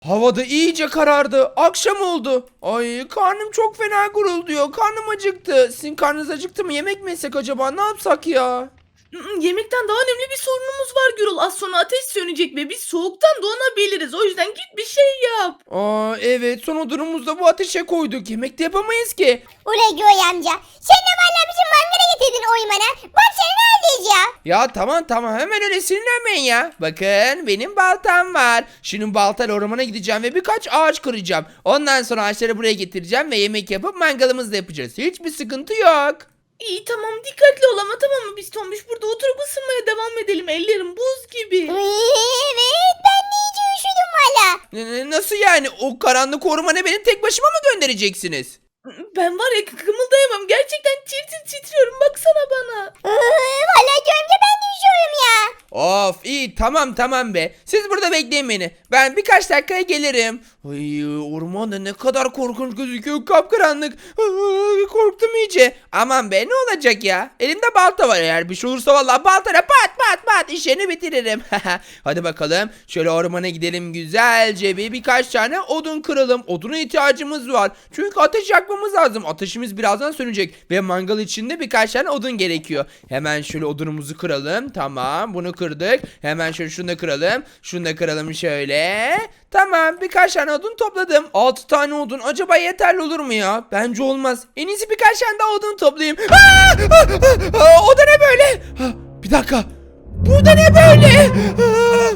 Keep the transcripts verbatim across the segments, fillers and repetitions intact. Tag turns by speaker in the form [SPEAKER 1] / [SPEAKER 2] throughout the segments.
[SPEAKER 1] Havada iyice karardı. Akşam oldu. Ay karnım çok fena gurulduyor. Karnım acıktı. Sizin karnınız acıktı mı? Yemek mi yesek acaba? Ne yapsak ya?
[SPEAKER 2] Mm, Yemekten daha önemli bir sorunumuz var Gürül. Az sonra ateş sönecek ve biz soğuktan donabiliriz. O yüzden git bir şey yap.
[SPEAKER 1] Aa evet, son odunumuzu bu ateşe koyduk. Yemek de yapamayız ki.
[SPEAKER 3] Ulan Göğe amca. Sen de valla bizim mangala getirdin oymana. Bak seni neredeyiz ya?
[SPEAKER 1] Ya tamam tamam, hemen öyle sinirlenmeyin ya. Bakın benim baltam var. Şimdi baltayla ormana gideceğim ve birkaç ağaç kıracağım. Ondan sonra ağaçları buraya getireceğim ve yemek yapıp mangalımızı da yapacağız. Hiçbir sıkıntı yok.
[SPEAKER 2] İyi tamam dikkatli ol ama tamam mı? Biz Tombiş burada oturup ısınmaya devam edelim. Ellerim buz gibi.
[SPEAKER 3] Evet ben de iyice üşüdüm valla.
[SPEAKER 1] N- n- Nasıl yani? O karanlık ormana beni tek başıma mı göndereceksiniz?
[SPEAKER 2] Ben var ya kımıldayamam. Gerçekten tir tir titriyorum. Baksana bana.
[SPEAKER 3] Valla Göğe amca ben de üşüyorum ya.
[SPEAKER 1] Of iyi, tamam tamam be. Siz burada bekleyin beni. Ben birkaç dakikaya gelirim. Ay, ormanda ne kadar korkunç gözüküyor, kapkaranlık. Ay, korktum iyice. Aman be, ne olacak ya? Elimde balta var, eğer bir şey olursa vallahi baltayla pat pat pat işini bitiririm. Hadi bakalım şöyle ormana gidelim güzelce, bir birkaç tane odun kıralım. Oduna ihtiyacımız var. Çünkü ateş yakmamız lazım. Ateşimiz birazdan sönecek ve mangal için de birkaç tane odun gerekiyor. Hemen şöyle odunumuzu kıralım. Tamam, bunu kırdık. Hemen şöyle şunu da kıralım. Şunu da kıralım şöyle. Tamam, birkaç tane odun topladım. altı tane odun acaba yeterli olur mu ya? Bence olmaz. En iyisi birkaç tane daha odun toplayayım. Aa! Aa! Aa! O da ne böyle? Ha, bir dakika. Bu da ne böyle? Aa!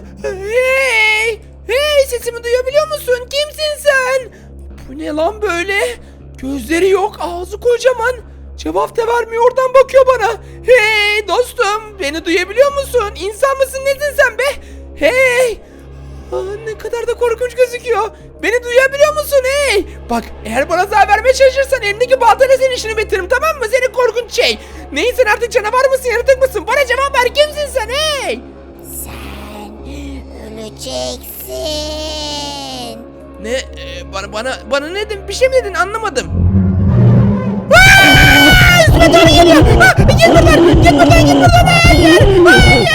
[SPEAKER 1] Hey! Hey, sesimi duyabiliyor musun? Kimsin sen? Bu ne lan böyle? Gözleri yok, ağzı kocaman. Cevap da vermiyor, oradan bakıyor bana. Hey dostum, beni duyabiliyor musun? İnsan mısın, nesin sen be? Hey! Aa, ne kadar da korkunç gözüküyor. Beni duyabiliyor musun hey? Bak, eğer bana zarar vermeye çalışırsan elimdeki baltayla senin işini bitiririm, tamam mı? Seni korkunç şey. Neyse, artık canavar mısın, yaratık mısın? Bana cevap ver, kimsin sen hey?
[SPEAKER 3] Sen öleceksin.
[SPEAKER 1] Ne? Ee, bana bana bana ne dedin? Bir şey mi dedin? Anlamadım. Üstüme doğru geliyor. Ah, git buradan. Git buradan. Git buradan. Hayır. Hayır.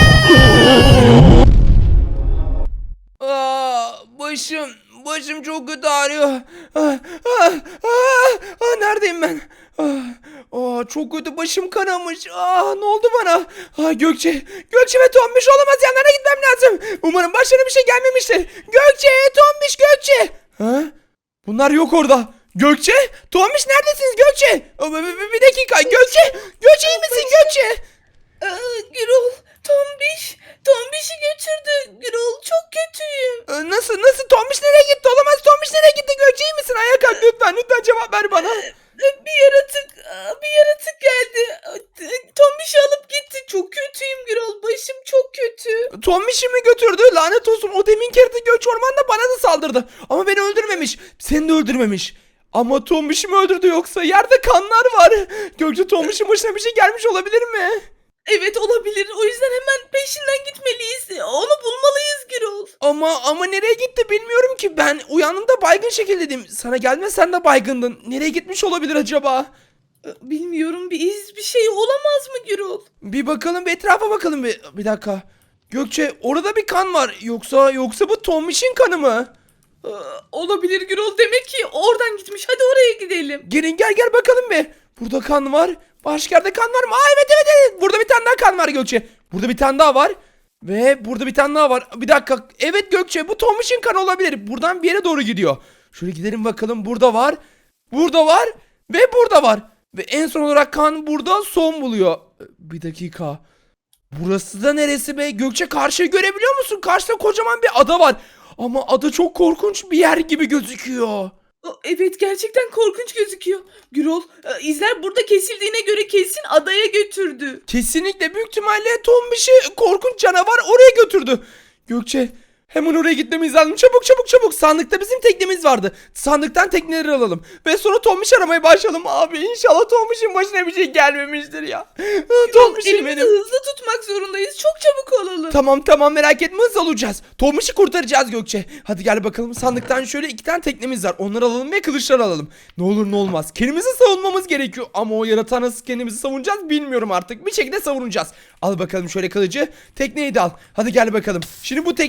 [SPEAKER 1] Aa, başım. Başım çok kötü ağrıyor. Ah, ah, ah, ah, neredeyim ben? Ah, ah, çok kötü, başım kanamış. Ah, ne oldu bana? Ah, Gökçe. Gökçe ve Tombiş, olamaz, yanlarına gitmem lazım. Umarım başlarına bir şey gelmemiştir. Gökçe, Tombiş, Gökçe. Ha? Bunlar yok orada. Gökçe? Tombiş, neredesiniz Gökçe? Aa, Bir, bir- bir dakika. Gökçe. Gökçe, iyi misin Gökçe?
[SPEAKER 2] Ee, Gürül, Tombiş. Tombiş'i götürdü. Gürül, çok kötüyüm.
[SPEAKER 1] Ee, Nasıl nasıl? Tombiş nereye gitti? Olamaz. Tombiş nereye gitti? Gökçe, iyi misin? Ayağa kalk lütfen. Lütfen cevap ver bana.
[SPEAKER 2] Ee, Bir yaratık, aa, bir yaratık geldi. Ee, Tombiş'i alıp gitti. Çok kötüyüm Gürül. Başım çok kötü.
[SPEAKER 1] Tombiş'i mi götürdü? Lanet olsun. O demin yaratık Gökçe ormanda bana da saldırdı. Ama beni öldürmemiş. Seni de öldürmemiş. Ama Tombiş'i mi öldürdü yoksa? Yerde kanlar var. Gökçe, Tombiş'in başına bir şey gelmiş olabilir mi?
[SPEAKER 2] Evet olabilir. O yüzden hemen peşinden gitmeliyiz. Onu bulmalıyız Gürül.
[SPEAKER 1] Ama ama nereye gitti bilmiyorum ki. Ben uyandığımda baygın şekildeydim. Sana gelme, sen de baygındın. Nereye gitmiş olabilir acaba?
[SPEAKER 2] Ee, Bilmiyorum, bir iz bir şey olamaz mı Gürül?
[SPEAKER 1] Bir bakalım, bir etrafa bakalım bir. Bir dakika. Gökçe, orada bir kan var. Yoksa yoksa bu Tombiş'in kanı mı?
[SPEAKER 2] Ee, Olabilir Gürül. Demek ki oradan gitmiş. Hadi oraya gidelim.
[SPEAKER 1] Gelin, gel gel bakalım bir. Burada kan var. Başka yerde kan var mı? Aa, evet evet evet. Burada bir tane daha kan var Gökçe. Burada bir tane daha var. Ve burada bir tane daha var. Bir dakika. Evet Gökçe, bu Tombiş'in kanı olabilir. Buradan bir yere doğru gidiyor. Şöyle gidelim bakalım. Burada var. Burada var. Ve burada var. Ve en son olarak kan burada son buluyor. Bir dakika. Burası da neresi be? Gökçe, karşıyı görebiliyor musun? Karşıda kocaman bir ada var. Ama ada çok korkunç bir yer gibi gözüküyor.
[SPEAKER 2] Aa, Evet gerçekten korkunç gözüküyor. Gürül, e, izler burada kesildiğine göre kesin adaya götürdü.
[SPEAKER 1] Kesinlikle, büyük ihtimalle Tombiş'i korkunç canavar oraya götürdü. Gökçe, hemen oraya gitmemiz lazım. Çabuk çabuk çabuk. Sandıkta bizim teknemiz vardı. Sandıktan tekneleri alalım. Ve sonra Tombiş aramaya başlayalım abi. İnşallah Tombiş'in başına bir şey gelmemiştir ya.
[SPEAKER 2] Gürül,
[SPEAKER 1] Tombiş'im
[SPEAKER 2] elimizi
[SPEAKER 1] benim.
[SPEAKER 2] hızlı tutmak zorundayız. Çok çabuk olalım.
[SPEAKER 1] Tamam tamam, merak etme, hız alacağız. Tombiş'i kurtaracağız Gökçe. Hadi gel bakalım, sandıktan şöyle iki tane teknemiz var. Onları alalım ve kılıçları alalım. Ne olur ne olmaz. Kendimizi savunmamız gerekiyor. Ama o yaratığa nasıl kendimizi savunacağız bilmiyorum artık. Bir şekilde savunacağız. Al bakalım şöyle kılıcı. Tekneyi de al. Hadi gel bakalım. Şimdi bu tekne sayesinde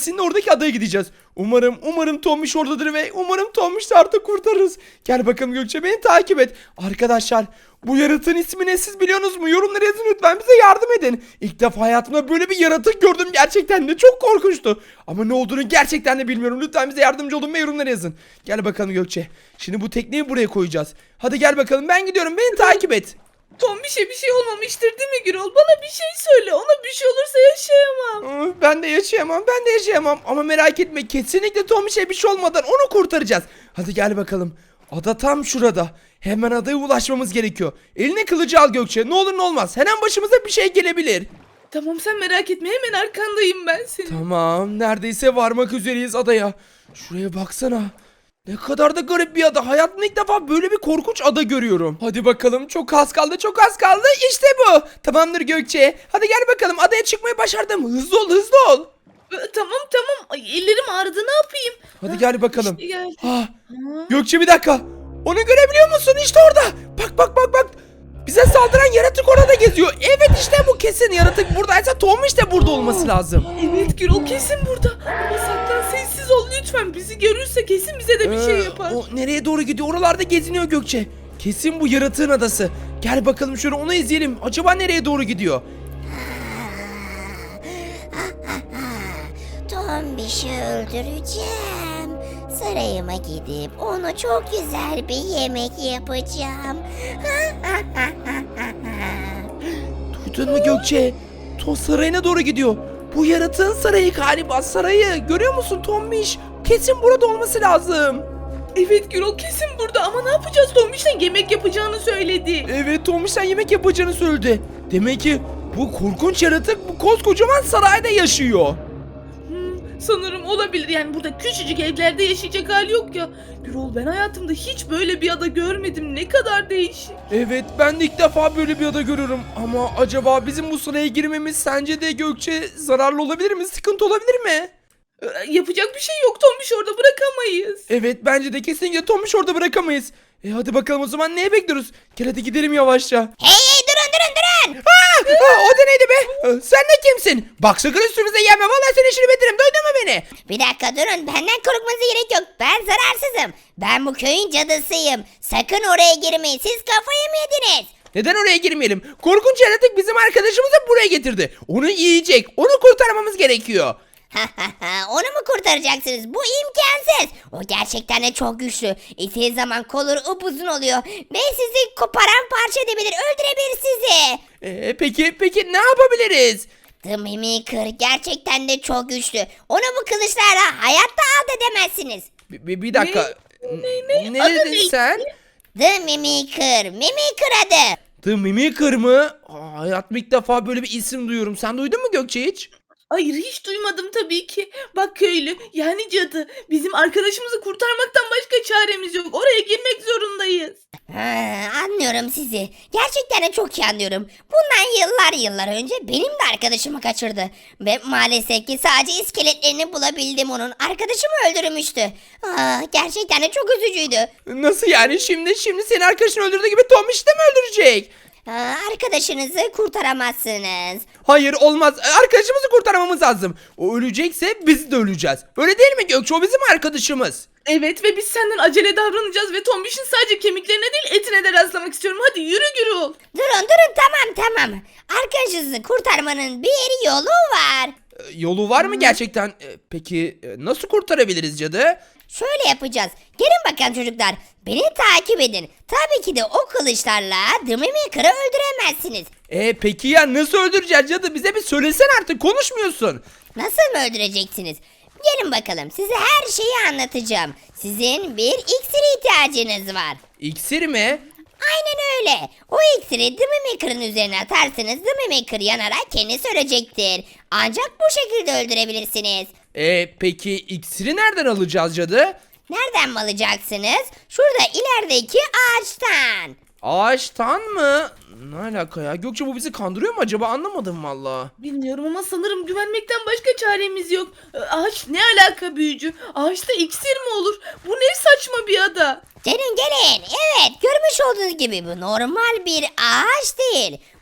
[SPEAKER 1] gelsin oradaki adaya gideceğiz. Umarım umarım Tombiş oradadır ve umarım Tombiş'i artık kurtarırız. Gel bakalım Gökçe, beni takip et. Arkadaşlar, bu yaratığın ismi ne, siz biliyorsunuz mu? Yorumlara yazın lütfen, bize yardım edin. İlk defa hayatımda böyle bir yaratık gördüm, gerçekten de çok korkunçtu. Ama ne olduğunu gerçekten de bilmiyorum. Lütfen bize yardımcı olun ve yorumlara yazın. Gel bakalım Gökçe. Şimdi bu tekneyi buraya koyacağız. Hadi gel bakalım, ben gidiyorum, beni takip et.
[SPEAKER 2] Tombiş'e bir şey olmamıştır değil mi Gürol? Bana bir şey söyle. Ona bir şey olursa yaşayamam.
[SPEAKER 1] Aa, Ben de yaşayamam, ben de yaşayamam. Ama merak etme, kesinlikle Tombiş'e bir şey olmadan onu kurtaracağız. Hadi gel bakalım. Ada tam şurada. Hemen adaya ulaşmamız gerekiyor. Eline kılıcı al Gökçe. Ne olur ne olmaz. Her an başımıza bir şey gelebilir.
[SPEAKER 2] Tamam, sen merak etme, hemen arkandayım ben senin.
[SPEAKER 1] Tamam, neredeyse varmak üzereyiz adaya. Şuraya baksana. Ne kadar da garip bir ada. Hayatımda ilk defa böyle bir korkunç ada görüyorum. Hadi bakalım, çok az kaldı, çok az kaldı. İşte bu. Tamamdır Gökçe. Hadi gel bakalım, adaya çıkmayı başardım. Hızlı ol, hızlı ol.
[SPEAKER 2] Ee, Tamam tamam. Ay, ellerim ağrıdı, ne yapayım?
[SPEAKER 1] Hadi
[SPEAKER 2] Ha,
[SPEAKER 1] gel bakalım.
[SPEAKER 2] işte geldi.
[SPEAKER 1] Ah,
[SPEAKER 2] Ha.
[SPEAKER 1] Gökçe bir dakika. Onu görebiliyor musun? İşte orada. Bak bak bak bak. Bize saldıran yaratık orada geziyor. Evet, işte bu, kesin yaratık buradaysa Tombiş de burada olması lazım.
[SPEAKER 2] Evet Gürol, kesin burada. Ama saklan, sessiz ol lütfen. Bizi görürse kesin bize de bir şey
[SPEAKER 1] Ee,
[SPEAKER 2] yapar.
[SPEAKER 1] O nereye doğru gidiyor? Oralarda geziniyor Gökçe. Kesin bu yaratığın adası. Gel bakalım şöyle, onu izleyelim. Acaba nereye doğru gidiyor?
[SPEAKER 3] Tombiş'i öldüreceğim. Sarayıma gidip onu çok güzel bir yemek yapacağım.
[SPEAKER 1] Duydun mu Gökçe? To sarayına doğru gidiyor. Bu yaratığın sarayı galiba, sarayı. Görüyor musun Tombiş? Kesin burada olması lazım.
[SPEAKER 2] Evet Gürol, kesin burada ama ne yapacağız? Tombiş'ten yemek yapacağını söyledi.
[SPEAKER 1] Evet, Tombiş'ten yemek yapacağını söyledi. Demek ki bu korkunç yaratık bu koskocaman sarayda yaşıyor.
[SPEAKER 2] Hmm, sanırım olabilir. Yani burada küçücük evlerde yaşayacak hali yok ya. Gürol, ben hayatımda hiç böyle bir ada görmedim. Ne kadar değişik.
[SPEAKER 1] Evet, ben de ilk defa böyle bir ada görüyorum. Ama acaba bizim bu saraya girmemiz sence de Gökçe zararlı olabilir mi? Sıkıntı olabilir mi?
[SPEAKER 2] Ee, Yapacak bir şey yok. Tombiş orada bırakamayız.
[SPEAKER 1] Evet, bence de kesinlikle Tombiş'i orada bırakamayız. E hadi bakalım, o zaman neye bekliyoruz? Gel hadi gidelim yavaşça.
[SPEAKER 3] Hey hey, durun durun durun.
[SPEAKER 1] Aa, aa, o da neydi be? Ee, Sen de kimsin? Bak, sakın üstümüze gelme. Vallahi senin işini bitiririm. Duydun mu beni?
[SPEAKER 3] Bir dakika durun, benden korkmanıza gerek yok. Ben zararsızım. Ben bu köyün cadısıyım. Sakın oraya girmeyin. Siz kafayı mı yediniz?
[SPEAKER 1] Neden oraya girmeyelim? Korkunç yaratık bizim arkadaşımızı buraya getirdi. Onu yiyecek. Onu kurtarmamız gerekiyor.
[SPEAKER 3] Onu mu kurtaracaksınız? Bu imkansız. O gerçekten de çok güçlü. İttiği zaman kolları upuzun oluyor. Ve sizi koparan parça edebilir. Öldürebilir sizi.
[SPEAKER 1] Ee, peki peki ne yapabiliriz?
[SPEAKER 3] The Mimikır gerçekten de çok güçlü. Onu bu kılıçlarla hayatta alt edemezsiniz.
[SPEAKER 1] Bir, bir, bir dakika.
[SPEAKER 2] Ne, ne?
[SPEAKER 1] Ne
[SPEAKER 2] Adı
[SPEAKER 1] dedin
[SPEAKER 2] neydi?
[SPEAKER 1] sen?
[SPEAKER 3] The Mimikır. Mimikır adı.
[SPEAKER 1] The Mimikır mı? Aa, hayatımda ilk defa böyle bir isim duyuyorum. Sen duydun mu Gökçe hiç?
[SPEAKER 2] Hayır, hiç duymadım tabii ki. Bak köylü, yani cadı. Bizim arkadaşımızı kurtarmaktan başka çaremiz yok. Oraya girmek zorundayız.
[SPEAKER 3] Ha, anlıyorum sizi. Gerçekten de çok iyi anlıyorum. Bundan yıllar yıllar önce benim de arkadaşımı kaçırdı. Ve maalesef ki sadece iskeletlerini bulabildim onun. Arkadaşımı öldürmüştü. Aa, gerçekten de çok üzücüydü.
[SPEAKER 1] Nasıl yani? Şimdi şimdi senin arkadaşını öldürdüğü gibi Tombiş'i de mi öldürecek?
[SPEAKER 3] Aa, arkadaşınızı kurtaramazsınız.
[SPEAKER 1] Hayır, olmaz. Arkadaşımızı kurtarmamız lazım. O ölecekse biz de öleceğiz. Öyle değil mi Gökçe? O bizim arkadaşımız.
[SPEAKER 2] Evet ve biz senden acele davranacağız ve Tombiş'in sadece kemiklerine değil etine de rastlamak istiyorum. Hadi yürü Gürol.
[SPEAKER 3] Durun durun, tamam tamam. Arkadaşınızı kurtarmanın bir yolu var.
[SPEAKER 1] Ee, Yolu var mı gerçekten? Ee, Peki e, nasıl kurtarabiliriz cadı?
[SPEAKER 3] Şöyle yapacağız. Gelin bakalım çocuklar. Beni takip edin. Tabii ki de o kılıçlarla The Mimikır'ı öldüremezsiniz.
[SPEAKER 1] E peki ya nasıl öldüreceğiz cadı? Bize bir söylesen artık, konuşmuyorsun.
[SPEAKER 3] Nasıl mı öldüreceksiniz? Gelin bakalım, size her şeyi anlatacağım. Sizin bir iksir ihtiyacınız var.
[SPEAKER 1] İksir mi?
[SPEAKER 3] Aynen öyle. O iksiri The Mimikır'ın üzerine atarsanız The Mimikır yanarak kendisi ölecektir. Ancak bu şekilde öldürebilirsiniz.
[SPEAKER 1] E peki iksiri nereden alacağız cadı?
[SPEAKER 3] Nereden mi alacaksınız? Şurada ilerideki ağaçtan.
[SPEAKER 1] Ağaçtan mı? Ne alaka ya? Gökçe, bu bizi kandırıyor mu acaba? Anlamadım valla.
[SPEAKER 2] Bilmiyorum ama sanırım güvenmekten başka çaremiz yok. Ee, Ağaç ne alaka büyücü? Ağaçta iksir mi olur? Bu ne saçma bir ada.
[SPEAKER 3] Gelin gelin. Evet, görmüş olduğunuz gibi bu normal bir ağaç değil. Bu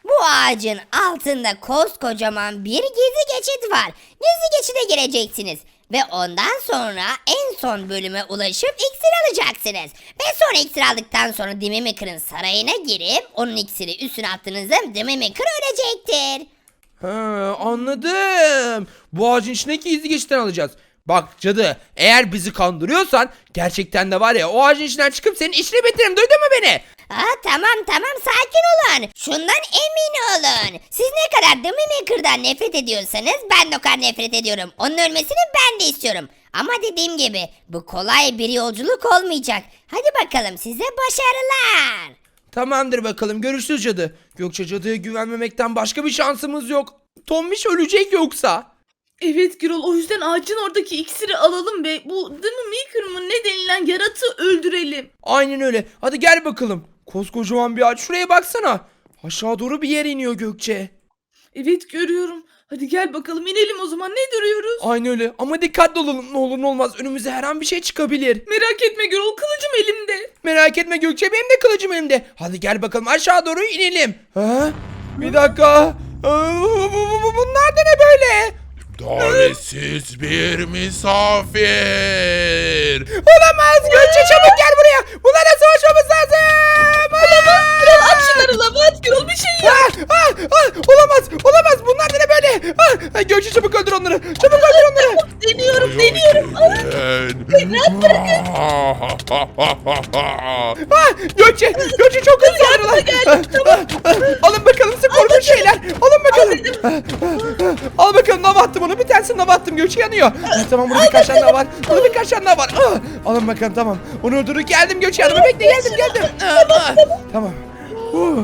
[SPEAKER 3] Bu ağacın altında koskocaman bir gizli geçit var. Gizli geçide gireceksiniz. Ve ondan sonra en son bölüme ulaşıp iksir alacaksınız. Ve sonra iksir aldıktan sonra Demimekır'ın sarayına girip onun iksiri üstüne attığınızda Demimekır ölecektir.
[SPEAKER 1] Ha, anladım. Bu ağacın içindeki gizli geçitten alacağız. Bak cadı, eğer bizi kandırıyorsan gerçekten de var ya, o ağacın içinden çıkıp senin işini bitiririm, duydun mu beni?
[SPEAKER 3] Aa, tamam tamam sakin olun. Şundan emin olun. Siz ne kadar Demimekır'dan nefret ediyorsanız ben de o kadar nefret ediyorum. Onun ölmesini ben de istiyorum. Ama dediğim gibi bu kolay bir yolculuk olmayacak. Hadi bakalım size başarılar.
[SPEAKER 1] Tamamdır bakalım, görüşürüz cadı. Gökçe, cadıya güvenmemekten başka bir şansımız yok. Tombiş ölecek yoksa.
[SPEAKER 2] Evet Gürol, o yüzden ağacın oradaki iksiri alalım ve bu Demimekır mı ne denilen yaratığı öldürelim.
[SPEAKER 1] Aynen öyle. Hadi gel bakalım. Koskocaman bir ağaç. Şuraya baksana. Aşağı doğru bir yer iniyor Gökçe.
[SPEAKER 2] Evet görüyorum. Hadi gel bakalım inelim o zaman, ne duruyoruz?
[SPEAKER 1] Aynen öyle. Ama dikkatli olalım. Ne olur ne olmaz. Önümüze her an bir şey çıkabilir.
[SPEAKER 2] Merak etme Gürol, kılıcım elimde.
[SPEAKER 1] Merak etme Gökçe. Benim de kılıcım elimde. Hadi gel bakalım. Aşağı doğru inelim. Ha? Bir dakika. Aa, bu- bu- bu- Bunlar da ne böyle?
[SPEAKER 4] Davetsiz bir misafir.
[SPEAKER 1] Olamaz. Gökçe çabuk gel buraya. Bunlarla savaşmamız lazım. Olamaz.
[SPEAKER 2] Gürol at şunları lava at Gürol, bir şey yap.
[SPEAKER 1] Ah, ah, ah, olamaz. Olamaz. Bunlar da ne böyle? Ah, Gökçe çabuk öldür onları. Çabuk öldür onları.
[SPEAKER 2] Deniyorum deniyorum.
[SPEAKER 1] Ah, Gökçe, Gökçe çok hızlı saldırılar. Ah, ah, Alın bakalım size korkunç şeyler. Alın bakalım. Ah, ah, ah. Al bakalım, lava attım onu. Bir tanesini lava attım. Gökçe yanıyor. Ah, tamam, burada birkaç tane daha var. Burada birkaç tane daha var. Ah, alın bakalım, tamam. Onu öldürdük. Geldim Gökçe yanıma. Bekle, geldim geldim. Ah, ah. Tamam. Oh,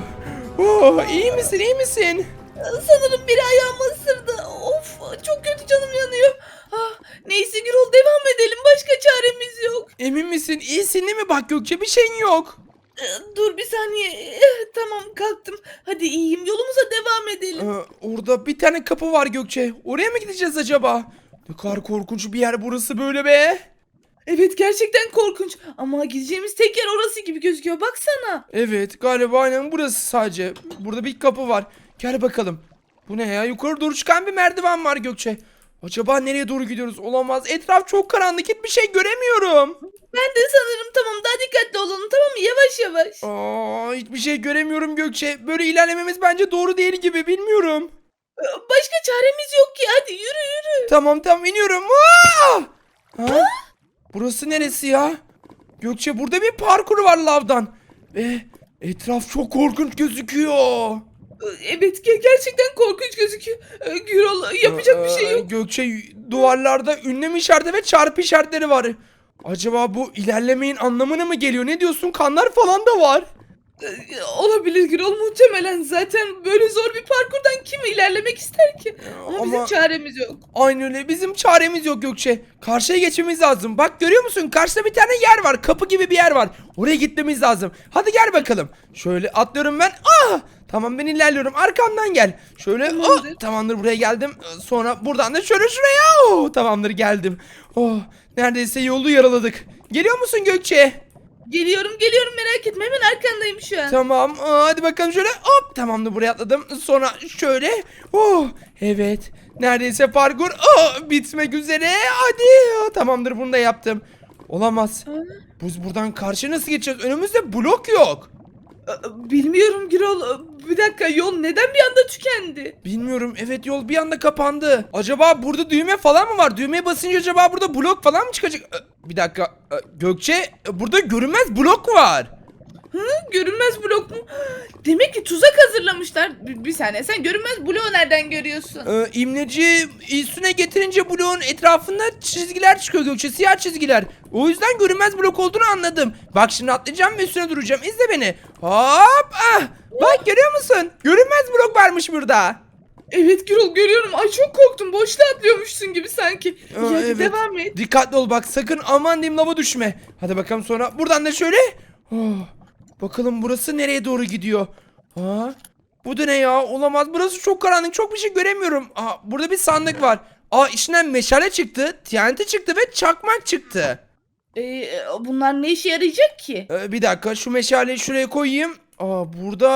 [SPEAKER 1] oh, iyi misin, iyi misin?
[SPEAKER 2] Sanırım biri ayağımı ısırdı. Of, çok kötü, canım yanıyor. Ah, neyse Gürol, devam edelim, başka çaremiz yok.
[SPEAKER 1] Emin misin? İyisin değil mi? Bak Gökçe, bir şeyin yok.
[SPEAKER 2] Ee, Dur bir saniye. Eh, Tamam, kalktım. Hadi iyiyim, yolumuza devam edelim.
[SPEAKER 1] Ee, orada bir tane kapı var Gökçe. Oraya mı gideceğiz acaba? Ne kadar korkunç bir yer burası böyle be.
[SPEAKER 2] Evet, gerçekten korkunç ama gideceğimiz tek yer orası gibi gözüküyor, baksana.
[SPEAKER 1] Evet, galiba aynen burası sadece. Burada bir kapı var. Gel bakalım. Bu ne ya? Yukarı doğru çıkan bir merdiven var Gökçe. Acaba nereye doğru gidiyoruz? Olamaz. Etraf çok karanlık. Hiçbir şey göremiyorum.
[SPEAKER 2] Ben de sanırım, tamam, daha dikkatli olalım, tamam mı, yavaş yavaş.
[SPEAKER 1] Aa, hiçbir şey göremiyorum Gökçe. Böyle ilerlememiz bence doğru değil gibi. Bilmiyorum.
[SPEAKER 2] Ee, Başka çaremiz yok ki, hadi yürü yürü.
[SPEAKER 1] Tamam tamam, iniyorum. Aa! Ha? Burası neresi ya? Gökçe, burada bir parkur var lavdan. Ve etraf çok korkunç gözüküyor.
[SPEAKER 2] Ee, Evet, ge- gerçekten korkunç gözüküyor. Ee, Gürol, yapacak bir şey
[SPEAKER 1] Ee,
[SPEAKER 2] yok.
[SPEAKER 1] Gökçe, duvarlarda ünlem işareti ve çarpı işaretleri var. Acaba bu ilerlemeyin anlamına mı geliyor? Ne diyorsun? Kanlar falan da var.
[SPEAKER 2] Ee, Olabilir Gürol, muhtemelen. Zaten böyle zor bir parkurdan kim ilerlemek ister ki? Ama, bizim
[SPEAKER 1] ama-
[SPEAKER 2] çaremiz yok.
[SPEAKER 1] Aynı öyle. Bizim çaremiz yok Gökçe. Karşıya geçmemiz lazım. Bak, görüyor musun? Karşıda bir tane yer var. Kapı gibi bir yer var. Oraya gitmemiz lazım. Hadi gel bakalım. Şöyle atlıyorum ben. Ah! Tamam, ben ilerliyorum. Arkamdan gel. Şöyle.
[SPEAKER 2] Tamamdır.
[SPEAKER 1] Oh, tamamdır, buraya geldim. Sonra buradan da şöyle şuraya. Oh, tamamdır, geldim. Oh, neredeyse yolu yaraladık. Geliyor musun Gökçe?
[SPEAKER 2] Geliyorum geliyorum, merak etme, hemen arkandayım şu an.
[SPEAKER 1] Tamam. Aa, hadi bakalım şöyle. Hop, tamamdır, buraya atladım. Sonra şöyle. Oh, evet. Neredeyse parkur oh, bitmek üzere. Hadi. Oh, tamamdır, bunu da yaptım. Olamaz.
[SPEAKER 2] Ha?
[SPEAKER 1] Biz buradan karşı nasıl geçeceğiz? Önümüzde blok yok.
[SPEAKER 2] Ee, Bilmiyorum Gürol. Ee, Bir dakika, yol neden bir anda tükendi?
[SPEAKER 1] Bilmiyorum. Evet, yol bir anda kapandı. Acaba burada düğme falan mı var? Düğmeye basınca acaba burada blok falan mı çıkacak? Ee, Bir dakika. Ee, Gökçe, e, burada görünmez blok var.
[SPEAKER 2] Hı? Görünmez blok mu? Demek ki tuzak hazırlamışlar. Bir, bir saniye, sen görünmez bloğu nereden görüyorsun?
[SPEAKER 1] Ee, imleci üstüne getirince bloğun etrafında çizgiler çıkıyor Gökçe, siyah çizgiler. O yüzden görünmez blok olduğunu anladım. Bak, şimdi atlayacağım ve üstüne duracağım. İzle beni. Hop! Ah! Bak, görüyor musun? Görünmez blok varmış burada.
[SPEAKER 2] Evet Gürol, görüyorum. Ay, çok korktum. Boşluğa atlıyormuşsun gibi sanki.
[SPEAKER 1] Aa,
[SPEAKER 2] İyi, hadi
[SPEAKER 1] evet.
[SPEAKER 2] devam et.
[SPEAKER 1] Dikkatli ol bak, sakın aman diyeyim lava düşme. Hadi bakalım, sonra buradan da şöyle. Oh, bakalım burası nereye doğru gidiyor. Aa, bu da ne ya? Olamaz, burası çok karanlık, çok bir şey göremiyorum. Aa, burada bir sandık var. Aa, içinden meşale çıktı, T N T çıktı ve çakmak çıktı.
[SPEAKER 2] Ee, bunlar ne işe yarayacak ki?
[SPEAKER 1] Ee, bir dakika, şu meşaleyi şuraya koyayım. Aa, burada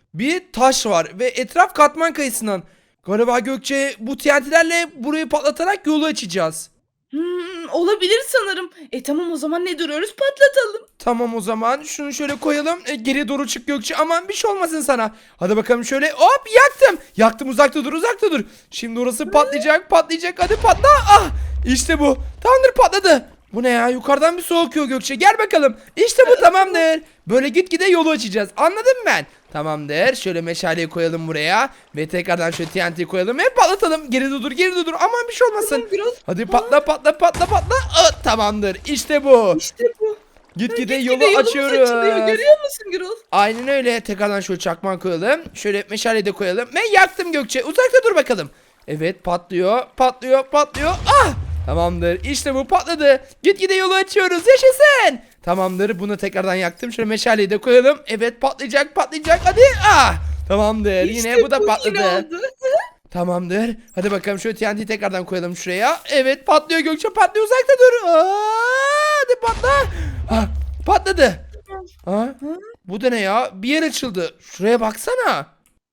[SPEAKER 1] bir taş var ve etraf katman kayısından. Galiba Gökçe bu T N T'lerle burayı patlatarak yolu açacağız.
[SPEAKER 2] Hmm, olabilir sanırım. E tamam, o zaman ne duruyoruz, patlatalım.
[SPEAKER 1] Tamam o zaman şunu şöyle koyalım. E, geriye doğru çık Gökçe. Aman bir şey olmasın sana. Hadi bakalım şöyle. Hop yaktım. Yaktım, uzakta dur uzakta dur. Şimdi orası patlayacak patlayacak. Hadi patla. Ah işte bu. Tamamdır, patladı. Bu ne ya? Yukarıdan bir su akıyor Gökçe. Gel bakalım. İşte bu, tamamdır. Böyle gitgide yolu açacağız. Anladın mı ben? Tamamdır. Şöyle meşaleyi koyalım buraya. Ve tekrardan şöyle T N T'yi koyalım. Ve patlatalım. Geri dur geri dur. Aman bir şey olmasın.
[SPEAKER 2] Tamam, biraz.
[SPEAKER 1] Hadi patla patla patla patla. Ah, tamamdır. İşte bu.
[SPEAKER 2] İşte bu.
[SPEAKER 1] Gitgide
[SPEAKER 2] Gitgide
[SPEAKER 1] yolu
[SPEAKER 2] yolumuz
[SPEAKER 1] açıyoruz.
[SPEAKER 2] açılıyor, görüyor musun Gürol?
[SPEAKER 1] Aynen öyle. Tekrardan şöyle çakman koyalım. Şöyle meşale de koyalım. Ve yaktım Gökçe. Uzakta dur bakalım. Evet, patlıyor. Patlıyor. Patlıyor. Ah! Tamamdır. İşte bu patladı. Gitgide yolu açıyoruz. Yaşasın. Tamamdır. Bunu tekrardan yaktım. Şöyle meşaleyi de koyalım. Evet, patlayacak patlayacak. Hadi. Ah! Tamamdır.
[SPEAKER 2] İşte
[SPEAKER 1] Yine bu da
[SPEAKER 2] yine
[SPEAKER 1] patladı.
[SPEAKER 2] oldu.
[SPEAKER 1] Tamamdır. Hadi bakalım şöyle T N T'yi tekrardan koyalım şuraya. Evet, patlıyor Gökçe, patlıyor, uzakta dur. Aa, hadi patla. Ah, patladı. Aa, bu da ne ya? Bir yer açıldı. Şuraya baksana.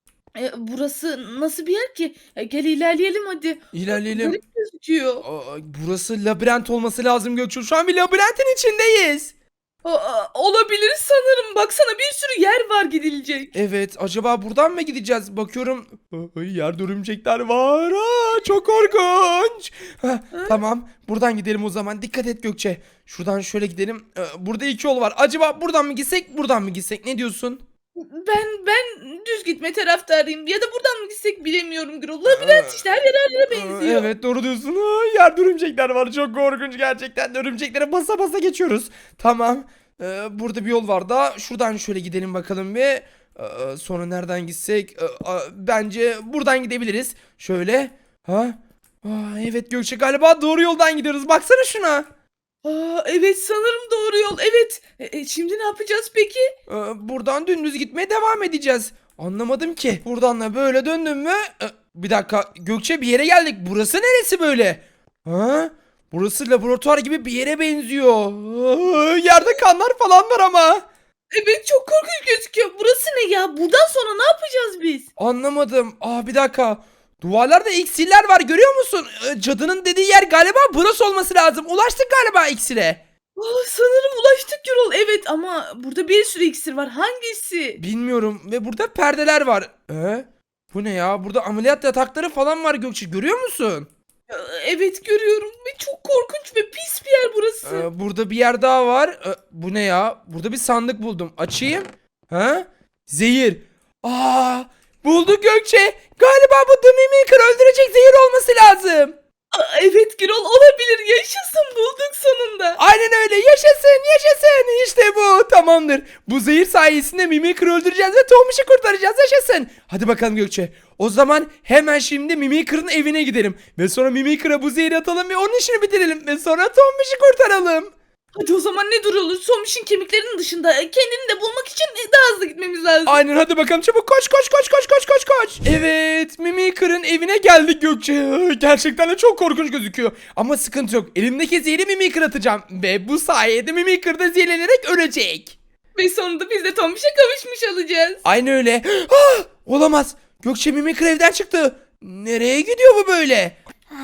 [SPEAKER 2] E, burası nasıl bir yer ki? E, gel ilerleyelim hadi.
[SPEAKER 1] İlerleyelim.
[SPEAKER 2] Garip gözüküyor.
[SPEAKER 1] Aa, burası labirent olması lazım Gökçe. Şu an bir labirentin içindeyiz.
[SPEAKER 2] Aa, olabilir sanırım. Baksana, bir sürü yer var gidilecek.
[SPEAKER 1] Evet, acaba buradan mı gideceğiz? Bakıyorum. Ay, yerde örümcekler var. Aa, çok korkunç. Heh, tamam, buradan gidelim o zaman. Dikkat et Gökçe. Şuradan şöyle gidelim. Ee, burada iki yol var. Acaba buradan mı gitsek, buradan mı gitsek? Ne diyorsun?
[SPEAKER 2] Ben ben düz gitme taraftarıyım. Ya da buradan mı gitsek bilemiyorum Gürol. Labirent işte, her yer her yere
[SPEAKER 1] Aa,
[SPEAKER 2] benziyor.
[SPEAKER 1] evet, doğru diyorsun. Aa, yerde örümcekler var. Çok korkunç gerçekten. de Örümceklere basa basa geçiyoruz. Tamam. Ee, burada bir yol var da. Şuradan şöyle gidelim bakalım bir. Ee, sonra nereden gitsek? Ee, a- bence buradan gidebiliriz. Şöyle. Ha? Aa, evet Gökçe, galiba doğru yoldan gidiyoruz. Baksana şuna.
[SPEAKER 2] Aa, evet, sanırım doğru yol. Evet. E, e, şimdi ne yapacağız peki?
[SPEAKER 1] Ee, buradan dümdüz gitmeye devam edeceğiz. Anlamadım ki. Buradan da böyle döndüm mü? Ee, bir dakika Gökçe, bir yere geldik. Burası neresi böyle? Ha? Burası laboratuvar gibi bir yere benziyor. Aa, yerde kanlar falan var ama.
[SPEAKER 2] Evet, çok korkunç gözüküyor. Burası ne ya? Buradan sonra ne yapacağız biz?
[SPEAKER 1] Anlamadım. Aa, bir dakika. Duvarlarda iksirler var, görüyor musun? Ee, cadının dediği yer galiba burası olması lazım. Ulaştık galiba iksire.
[SPEAKER 2] Aa, sanırım ulaştık Gürol. Evet, ama burada bir sürü iksir var. Hangisi?
[SPEAKER 1] Bilmiyorum ve burada perdeler var. Ee? Bu ne ya? Burada ameliyat yatakları falan var Gökçe, görüyor musun?
[SPEAKER 2] Aa, evet, görüyorum ve çok korkunç ve pis bir yer burası.
[SPEAKER 1] Ee, burada bir yer daha var. Ee, bu ne ya? Burada bir sandık buldum. Açayım. Ha? Zehir. Aa, bulduk Gökçe. Galiba bu The Mimicry öldürecek zehir olması lazım.
[SPEAKER 2] Aa, evet Gürol, olabilir. Yaşasın, bulduk sonunda.
[SPEAKER 1] Aynen öyle. Yaşasın, yaşasın. İşte bu. Tamamdır. Bu zehir sayesinde Mimicry öldüreceğiz ve Tomiş'i kurtaracağız. Yaşasın. Hadi bakalım Gökçe. O zaman hemen şimdi Mimicry'nin evine gidelim. Ve sonra Mimicry'e bu zehri atalım ve onun işini bitirelim. Ve sonra Tomiş'i kurtaralım.
[SPEAKER 2] Hadi o zaman ne duruyoruz? Somiş'in kemiklerinin dışında kendini de bulmak için daha hızlı gitmemiz lazım.
[SPEAKER 1] Aynen, hadi bakalım çabuk, koş koş koş koş koş koş koş. Evet, Mimicry'nin evine geldik Gökçe. Gerçekten de çok korkunç gözüküyor. Ama sıkıntı yok. Elimdeki zehri Mimicry atacağım. Ve bu sayede Mimicry de zehirlenerek ölecek.
[SPEAKER 2] Ve sonunda biz de Tomiş'e kavuşmuş olacağız.
[SPEAKER 1] Aynen öyle. Ah, olamaz. Gökçe, Mimicry evden çıktı. Nereye gidiyor bu böyle?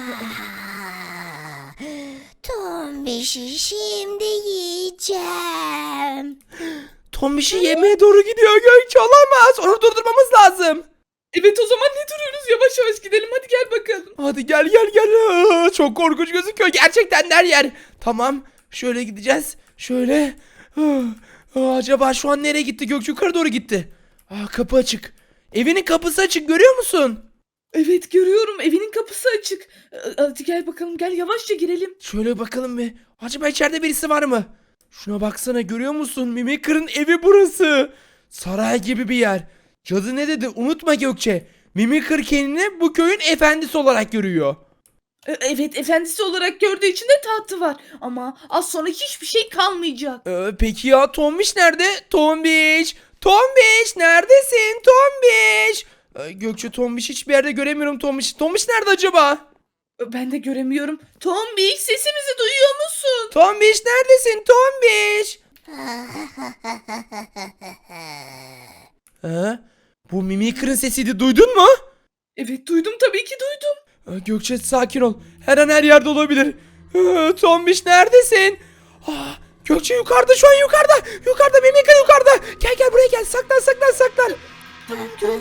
[SPEAKER 3] Tombiş'i şimdi yiyeceğim.
[SPEAKER 1] Tombiş'i yemeye doğru gidiyor Gökçe, olamaz. Onu durdurmamız lazım.
[SPEAKER 2] Evet, o zaman ne duruyoruz? Yavaş yavaş gidelim. Hadi gel bakalım.
[SPEAKER 1] Hadi gel gel gel. Aa, çok korkunç gözüküyor gerçekten her yer. Tamam, şöyle gideceğiz. Şöyle. Ah, ah, acaba şu an nereye gitti? Gökçe yukarı doğru gitti. Aa, kapı açık. Evinin kapısı açık, görüyor musun?
[SPEAKER 2] Evet, görüyorum. Evinin kapısı açık. Ee, Hadi gel bakalım. Gel, yavaşça girelim.
[SPEAKER 1] Şöyle bakalım bir. Acaba içeride birisi var mı? Şuna baksana, görüyor musun? Mimicry'nin evi burası. Saray gibi bir yer. Cadı ne dedi? Unutma Gökçe. Mimicry kendini bu köyün efendisi olarak görüyor.
[SPEAKER 2] Ee, Evet, efendisi olarak gördüğü için de tahtı var. Ama az sonra hiçbir şey kalmayacak.
[SPEAKER 1] Ee, peki ya Tombiş nerede? Tombiş! Tombiş neredesin? Tombiş! Ee, Gökçe, Tombiş hiçbir yerde göremiyorum Tombiş. Tombiş nerede acaba?
[SPEAKER 2] Ee, Ben de göremiyorum. Tombiş, sesimizi duyuyor musun?
[SPEAKER 1] Tombiş neredesin? Tombiş! Ha? Bu Mimikır'ın sesiydi, duydun mu?
[SPEAKER 2] Evet duydum, tabii ki duydum.
[SPEAKER 1] Aa, Gökçe sakin ol. Her an her yerde olabilir. Aa, Tombiş neredesin? Aa, Gökçe yukarıda, şu an yukarıda. Yukarıda Mimikır yukarıda. Gel gel buraya gel. Saklan saklan saklan.
[SPEAKER 2] Tamam Gürol.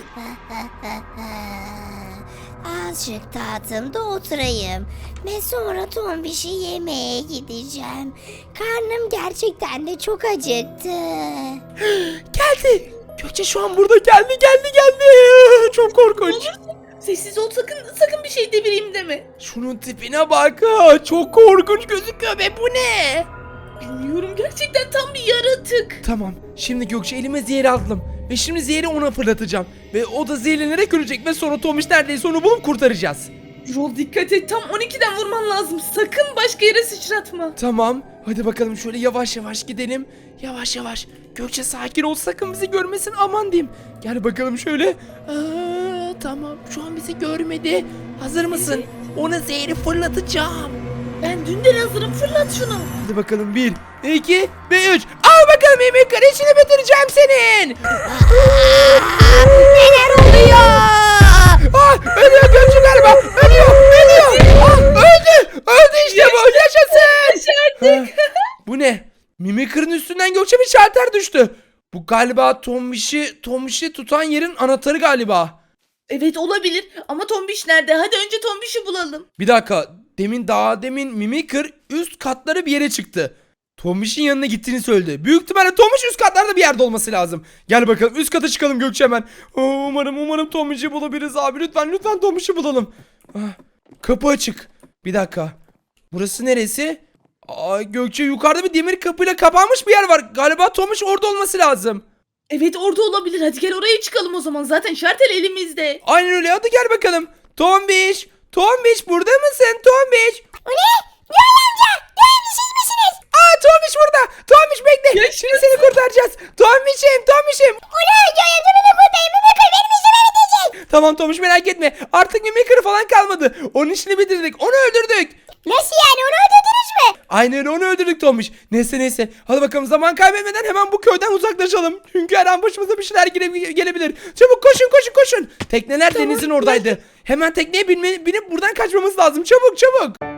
[SPEAKER 3] Azıcık tahtımda oturayım ve sonra Tombiş'i yemeğe gideceğim. Karnım gerçekten de çok acıktı.
[SPEAKER 1] Geldi. Gökçe şu an burada, geldi geldi geldi. Çok korkunç.
[SPEAKER 2] Sessiz ol, sakın sakın bir şey devireyim deme.
[SPEAKER 1] Şunun tipine bak. Aa, çok korkunç gözüküyor be, bu ne?
[SPEAKER 2] Bilmiyorum, gerçekten tam bir yaratık.
[SPEAKER 1] Tamam, şimdi Gökçe elime zehri aldım. Ve şimdi zehri ona fırlatacağım. Ve o da zehirlenerek ölecek ve sonra Tomiş neredeyse onu bulup kurtaracağız.
[SPEAKER 2] Gürol dikkat et, tam on ikiden vurman lazım. Sakın başka yere sıçratma.
[SPEAKER 1] Tamam, hadi bakalım şöyle yavaş yavaş gidelim. Yavaş yavaş. Gökçe sakin ol, sakın bizi görmesin, aman diyeyim. Gel bakalım şöyle. Aa, tamam, şu an bizi görmedi. Hazır mısın? Ona zehri fırlatacağım.
[SPEAKER 2] Ben dünden hazırım, fırlat şunu.
[SPEAKER 1] Hadi bakalım, bir, iki ve üç. Al bakalım Mimikır, işini bitireceğim senin.
[SPEAKER 3] Neler oluyor?
[SPEAKER 1] Ah, ölüyor Gökçe galiba. Ölüyor, ölüyor. Ah, öldü. Öldü işte bu. Yaşasın.
[SPEAKER 2] Başardık.
[SPEAKER 1] Ah, bu ne? Mimikır'ın üstünden Gökçe bir şalter düştü. Bu galiba Tombiş'i Tombiş'i tutan yerin anahtarı galiba.
[SPEAKER 2] Evet olabilir ama Tombiş nerede? Hadi önce Tombiş'i bulalım.
[SPEAKER 1] Bir dakika. Demin daha demin Mimikır üst katlara bir yere çıktı. Tombiş'in yanına gittiğini söyledi. Büyük ihtimalle Tombiş üst katlarda bir yerde olması lazım. Gel bakalım üst kata çıkalım Gökçe hemen. Oo, umarım umarım Tombiş'i bulabiliriz abi. Lütfen lütfen Tombiş'i bulalım. Ah, kapı açık. Bir dakika. Burası neresi? Aa, Gökçe yukarıda bir demir kapıyla kapanmış bir yer var. Galiba Tombiş orada olması lazım.
[SPEAKER 2] Evet orada olabilir. Hadi gel oraya çıkalım o zaman. Zaten şartel elimizde.
[SPEAKER 1] Aynen öyle, hadi gel bakalım. Tombiş. Tombiş burada mısın Tombiş?
[SPEAKER 3] O ne? Göğe amca! Göğe amca siz misiniz?
[SPEAKER 1] Aa Tombiş burada. Tombiş bekle.
[SPEAKER 2] Yaşasın.
[SPEAKER 1] Şimdi seni kurtaracağız. Tombiş'im Tombiş'im.
[SPEAKER 3] Ula Göğe amca beni kurtarın. Mimikır benim işimi bitecek.
[SPEAKER 1] Tamam Tombiş merak etme. Artık Mimikır falan kalmadı. Onun işini bitirdik. Onu öldürdük.
[SPEAKER 3] Nasıl yani, onu öldürdünüz mü?
[SPEAKER 1] Aynen öyle, onu öldürdük Tombiş. Neyse neyse. Hadi bakalım, zaman kaybetmeden hemen bu köyden uzaklaşalım. Çünkü her an başımıza bir şeyler gele- gelebilir. Çabuk koşun koşun koşun. Tekneler
[SPEAKER 2] Tamam,
[SPEAKER 1] denizin oradaydı. Hemen tekneye binme, binip buradan kaçmamız lazım. Çabuk çabuk.